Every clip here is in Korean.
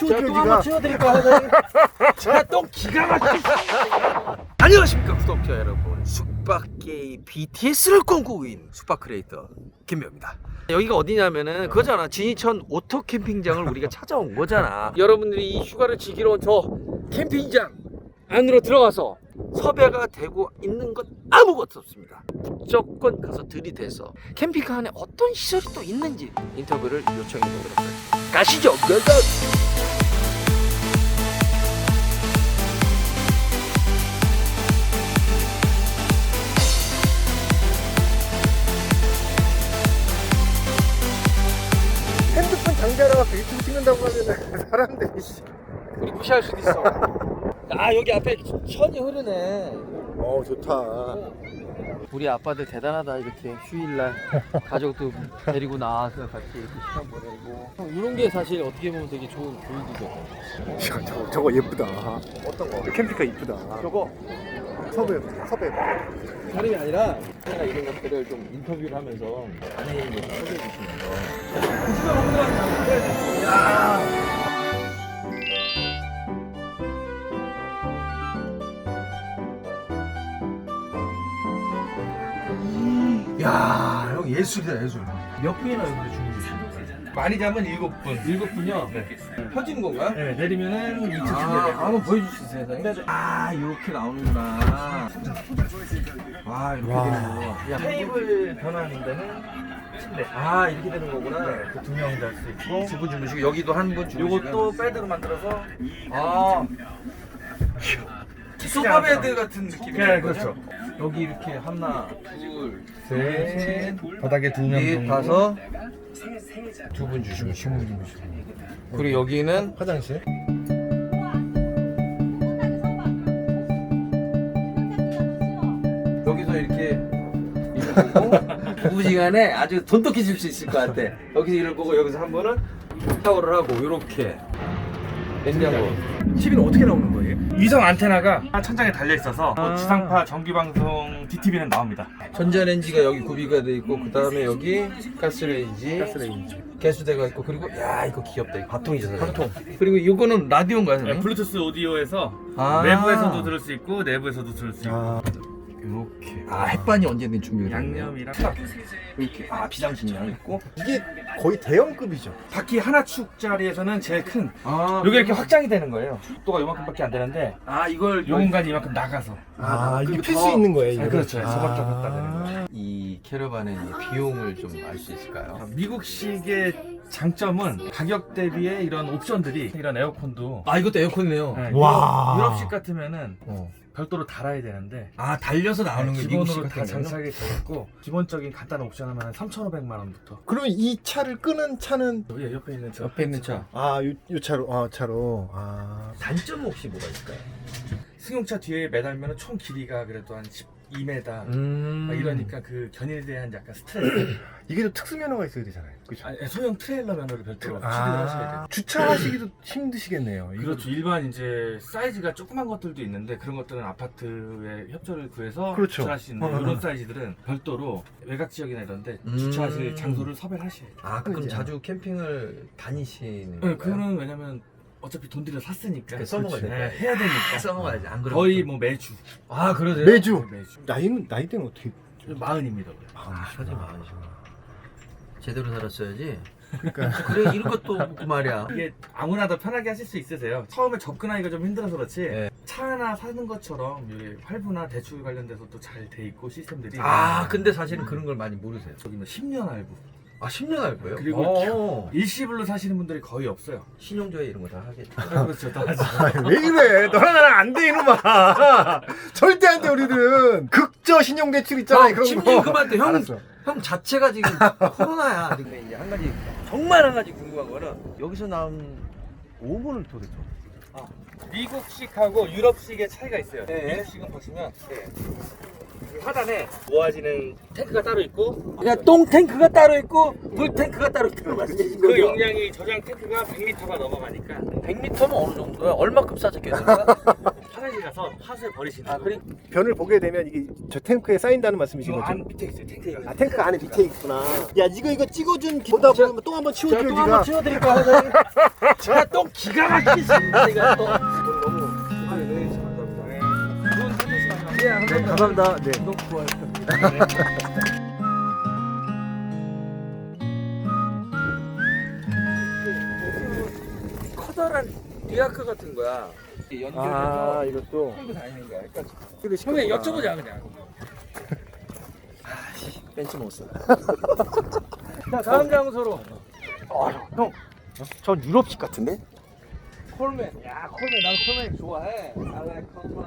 치워줘요, 똥 한번 치워드릴까요, 사장님? 제가 똥 기가 막히게. 안녕하십니까 구독자 여러분, 숙박계의 BTS를 꿈꾸고 있는 숙박 크리에이터 김배우입니다. 여기가 어디냐면은 그거잖아, 진이천 오토 캠핑장을 우리가 찾아온 거잖아. 여러분들이 이 휴가를 즐기러 온 저 캠핑장 안으로 들어가서 섭외가 되고 있는 건 아무것도 없습니다. 무조건 가서 들이대서 캠핑카 안에 어떤 시설이 또 있는지 인터뷰를 요청해 보도록 하겠습니다. 가시죠. 고고! 핸드폰 장비하러 유튜브 찍는다고 하면 사람들이 우리 무시할 수도 있어. 아, 여기 앞에 천이 흐르네. 좋다. 우리 아빠들 대단하다. 이렇게 휴일날 가족도 데리고 나와서 같이 이렇게 시간 보내고. 이런 게 사실 어떻게 보면 되게 좋은 교육이죠. 야, 저거 예쁘다. 어떤 거? 캠핑카 이쁘다. 저거 섭외. 다름이 아니라 제가 이런 것들을 좀 인터뷰를 하면서 안에 있는 거 소개해 주시면서. 야, 형 예술이다 예술. 몇 분이나 여기서 주무세요? 많이 자면 7분. 7분요? 네. 펴지는 건가요? 네, 내리면은 2층 한번 보여줄 수 있어요, 사장님? 아, 이렇게 나오는구나. 와, 이렇게 와. 되는 거. 야, 테이블 변하는 데는 침대. 아, 이렇게 되는 거구나. 그 2명 잘 수 있고. 두 분 주무시고, 여기도 한 분 주무시고. 요것도 베드로 만들어서. 아, 소파 베드 같은 느낌이에요. 네, 그렇죠. 여기 이렇게 하나, 둘, 셋. 셋, 바닥에 2명 넷, 정도. 다섯. 두 분 주무시고. 그리고 여기는 화장실? 여기서 이렇게 이럴 거고 부부지간에 아주 돈독해질 수 있을 것 같아. 여기서 이럴 거고 여기서 한 번은 샤워를 하고 이렇게 냉장고. TV는 어떻게 나오는 거예요? 위성 안테나가 천장에 달려 있어서 지상파 정규 방송 DTV는 나옵니다. 전자레인지가 여기 구비가 돼 있고 그 다음에 여기 가스레인지, 개수대가 있고 그리고 야 이거 귀엽다. 이거 밥통이죠. 밥통. 그리고 이거는 라디오인가요, 네, 선생님? 블루투스 오디오에서 아. 외부에서도 들을 수 있고 내부에서도 들을 수 있고. 이렇게. 아, 햇반이 언제든 준비가 되네요. 양념이랑 이렇게. 아, 비상식량 있고. 이게 거의 대형급이죠. 바퀴 하나 축짜리에서는 제일 큰. 아, 여기 이렇게 확장이 되는 거예요. 속도가 요만큼밖에 안 되는데 아, 이걸 요 공간이 이만큼 나가서. 이게 그리고 필 더- 수 있는 거예요. 네, 이거? 그렇죠. 저밖에 못 되는 거예요. 이 캐러반의 비용을 좀 알 수 있을까요? 미국식의 장점은 가격 대비에 이런 옵션들이 이런 에어컨도 아, 이것도 에어컨이네요. 네, 와. 유럽식 같으면은 어. 별도로 달아야 되는데 아, 달려서 나오는 게 기본으로 미국식 다 같은 거는? 장착이 되어 있고 기본적인 간단한 옵션 하면 3,500만 원부터. 그러면 이 차를 끄는 차는 여기 옆에 있는 저 옆에 있는 차. 요 차로 차로 단점은 혹시 뭐가 있을까요? 승용차 뒤에 매달면 총 길이가 그래도 한 12m 이러니까 그 견인에 대한 약간 스트레스. 이게 좀 특수 면허가 있어야 되잖아요. 그렇죠? 아니, 소형 트레일러 면허를 별도로 취득을 하셔야 돼요. 주차하시기도 힘드시겠네요. 이거 그렇죠. 일반 이제 사이즈가 조그만 것들도 있는데 그런 것들은 아파트에 협조를 구해서 그렇죠. 주차할 수 있는 어, 어, 이런 어. 사이즈들은 별도로 외곽 지역이나 이런데 주차하실 장소를 섭외를 하셔야 돼요. 아, 그럼 그렇죠. 자주 캠핑을 다니시는 네, 건가요? 그거는 왜냐면 어차피 돈 들여 샀으니까 그 써먹어야 그렇죠. 되니까. 네, 해야 되니까 써먹어야지. 안 그러면 거의 또- 뭐 매주. 아, 그러세요? 매주 매주. 나이대는 어떻게? 40입니다. 아, 사지 마시구나. 제대로 살았어야지. 그러니까 그래, 이런 것도 없고 말이야. 이게 아무나 더 편하게 하실 수 있으세요. 처음에 접근하기가 좀 힘들어서 그렇지 네. 차 하나 사는 것처럼 여기 할부나 대출 관련돼서도 잘 돼 있고 시스템들이. 아, 근데 사실은 그런 걸 많이 모르세요. 저기 뭐 10년 할부. 아, 10년 할 거예요? 그리고 일시불로 사시는 분들이 거의 없어요. 신용조회 이런 거 다 하겠죠. 그렇죠. 다 하죠. 왜 이래? 너랑 나랑 안 돼 이놈아. 절대 안 돼 우리들은. 극저 신용 대출 있잖아. 그런 심지어 거. 그만 둬. 형, 알았어. 형 자체가 지금 코로나야. 근데 이제 한 가지, 정말 한 가지 궁금한 거는 여기서 나온 오븐을 도대체. 미국식하고 유럽식의 차이가 있어요. 네. 미국식은 보시면 그 하단에 모아지는 탱크가 따로 있고 그냥 똥 탱크가 따로 있고 물 탱크가 따로 있다는 말씀이신 그 거죠? 용량이 저장 탱크가 100m가 넘어가니까 100m면 어느 정도야? 얼마큼 싸졌겠어요? 화장실 가서 하수에 버리시는 아, 거예요. 그래? 변을 보게 되면 이게 저 탱크에 쌓인다는 말씀이신 이거 거죠? 안 밑에 있어요. 탱크에 아 탱크가 안에 밑에 있구나. 야 이거 찍어준 보다 보면 또 한번 제가 치워줘요 또 한번 니가. 치워드릴까요, 사장님? 제가 또 기가 막히게 씁니다. 제가 또. 네, 감사합니다. 네. 구독, 좋아요. 커다란 리아크 같은 거야. 연결해서 아 이것도. 끌고 다니는 거야. 그러니까 형님 여쭤보자 그냥. 벤치 못 써. 자, 다음 장소로. 형, 전 유럽식 같은데? 콜맨. 야, 콜맨. 나도 콜맨 좋아해. I like 콜맨.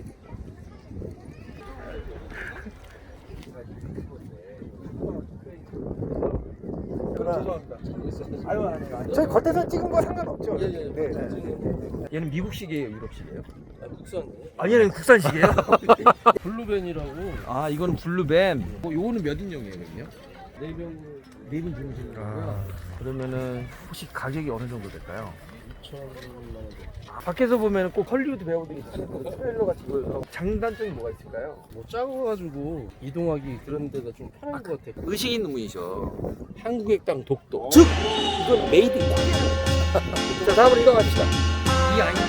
죄송합니다. 아유, 아니요. 저희 겉에서 찍은 거 상관없죠? 예. 네. 얘는 미국식이에요, 유럽식이에요? 국산. 아, 얘는 국산식이에요? 블루벤이라고. 아, 이거는 블루뱀. 요거는 몇 인용이에요, 그럼요? 4인 중심이고요. 그러면은 혹시 가격이 어느 정도 될까요? 2,000만 원. 밖에서 보면 꼭 헐리우드 배우들이 타는 그 트레일러 같이 보여서 장단점이 뭐가 있을까요? 뭐 작아가지고 이동하기 그런 데가 좀 편한 것 같아요. 의식 있는 분이셔. 한국의 땅 독도. 즉 이건 메이드 인 자, 다음으로 이동합시다. 이 아이는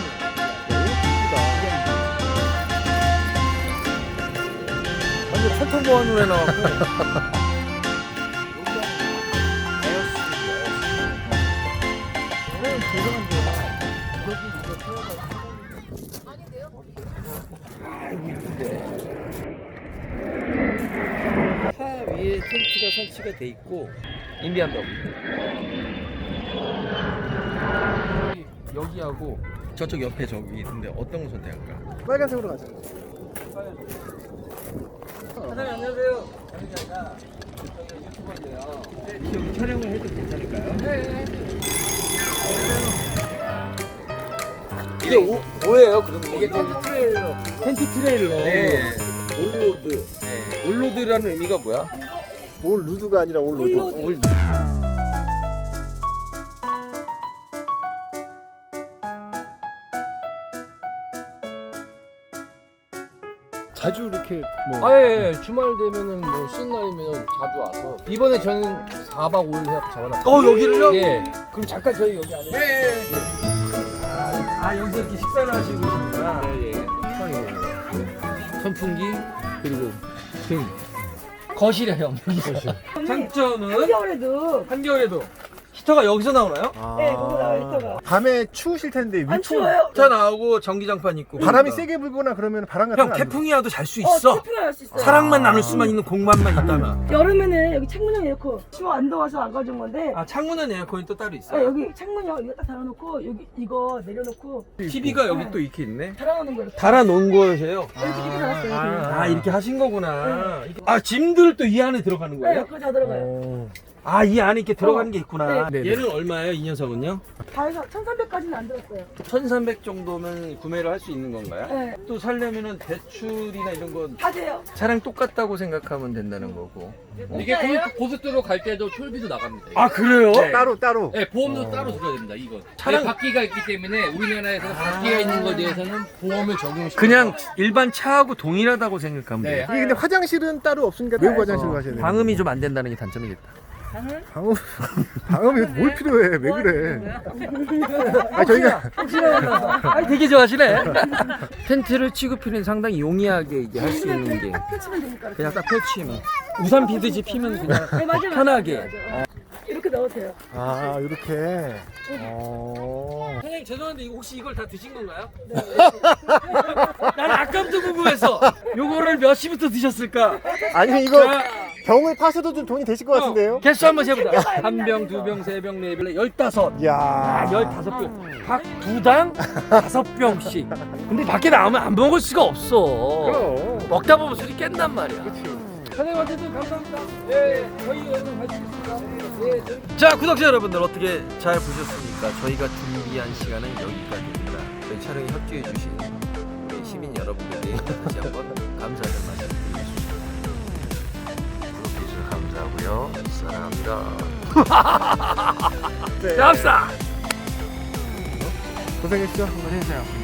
완전 천통보안으로 해놔갖고. 차 위에 텐트가 설치가 돼 있고 인디안도 여기하고 저쪽 옆에 저기 있는데 어떤 걸 선택할까? 빨간색으로 가자. 사장님 안녕하세요. 저희가 유튜버인데요. 여기 촬영을 해도 괜찮을까요? 네. 이게 뭐예요? 그러면 이게 텐트 트레일러. 텐트 트레일러. 네. 올로드. 네. 올로드라는 의미가 뭐야? 올 루드가 아니라 올 로드. 자주 이렇게 뭐 예. 주말 되면은 뭐 쉬는 날이면 자주 와서 이번에 저는 4박 5일 해서 잡아놨어요. 여기를요? 예. 그럼 잠깐 저희 여기 안에. 아 여기서 이렇게 식사를 하시고 계시구나. 예. 선풍기 그리고 등. 거실이에요. 장점은 한겨울에도 한겨울에도 히터가 여기서 나오나요? 네, 거기 나와요, 히터가. 밤에 추우실 텐데 안 위풍 추워요? 히터 나오고 전기장판 있고. 바람이 세게 불거나 그러면 바람 같은 형 거안 태풍이 와도 잘 수 있어. 태풍이 날 수 있어요. 사랑만 나눌 수만 있는 공간만 있다면. 여름에는 여기 창문형 에어컨 추워 안 더워서 안 가져온 건데 아 창문은 에어컨이 또 따로 아, 있어요. 여기 창문형 이거 딱 달아놓고 여기 이거 내려놓고 TV가 여기 또 이렇게 있네. 달아놓는 거예요. 달아놓은 거세요. 이렇게 TV 달았어요. 아 이렇게 하신 거구나. 아 짐들 또 이 안에 들어가는 네, 거예요? 그거 다 들어가요. 아 이 안에 이렇게 들어가는 게 있구나. 네. 얘는 얼마예요 이 녀석은요? 다 해서 1,300까지는 안 들었어요. 1,300 정도면 구매를 할 수 있는 건가요? 네, 또 살려면은 대출이나 이런 거 다 돼요. 차량 똑같다고 생각하면 된다는 거고. 이게 고속도로 갈 때도 톨비도 나갑니다. 아 그래요? 따로 네, 보험도 따로 들어야 됩니다. 이거 차량- 바퀴가 있기 때문에 우리나라에서 바퀴가 있는 것에 대해서는 보험을 적용시켜. 그냥 일반 차하고 동일하다고 생각하면 네. 돼요. 이게 근데 화장실은 따로 없으니까 외부 화장실로 가셔야 돼요. 방음이 좀 안 된다는 게 단점이겠다. 방음이 뭘 필요해? 왜 그래? 아 저희가 아 되게 좋아하시네. 텐트를 취급하는 상당히 용이하게 이게 할 수 있는 게 딱 펼치면 되니까. 그냥 딱 펼치면 우산 비듯이 피면 그냥 네, 맞아요. 편하게. 맞아요. 이렇게 넣어도 돼요. 아 이렇게. 선생님 죄송한데 이거 혹시 이걸 다 드신 건가요? 난 아까부터 궁금했어. 요거를 몇 시부터 드셨을까? 아니 이거 자, 병을 파셔도 좀 돈이 되실 것 같은데요? 개수 한번 세보자. 한 병, 두 병, 세 병, 네 병, 15. 이야. 15병. 각 두당 5병씩. 근데 밖에 나오면 안 먹을 수가 없어. 그럼. 먹다 보면 술이 깬단 말이야. 선생님한테도 감사합니다. 예, 저희 여러분 가시겠습니다. 예, 자, 구독자 여러분들 어떻게 잘 보셨습니까? 저희가 준비한 시간은 여기까지입니다. 저희 촬영에 협조해 주신 우리 시민 여러분들께 다시 한번 감사의 말씀 드리겠습니다. 감사하고요. 사랑합니다. 네. 감사. 고생했죠? 고생하세요.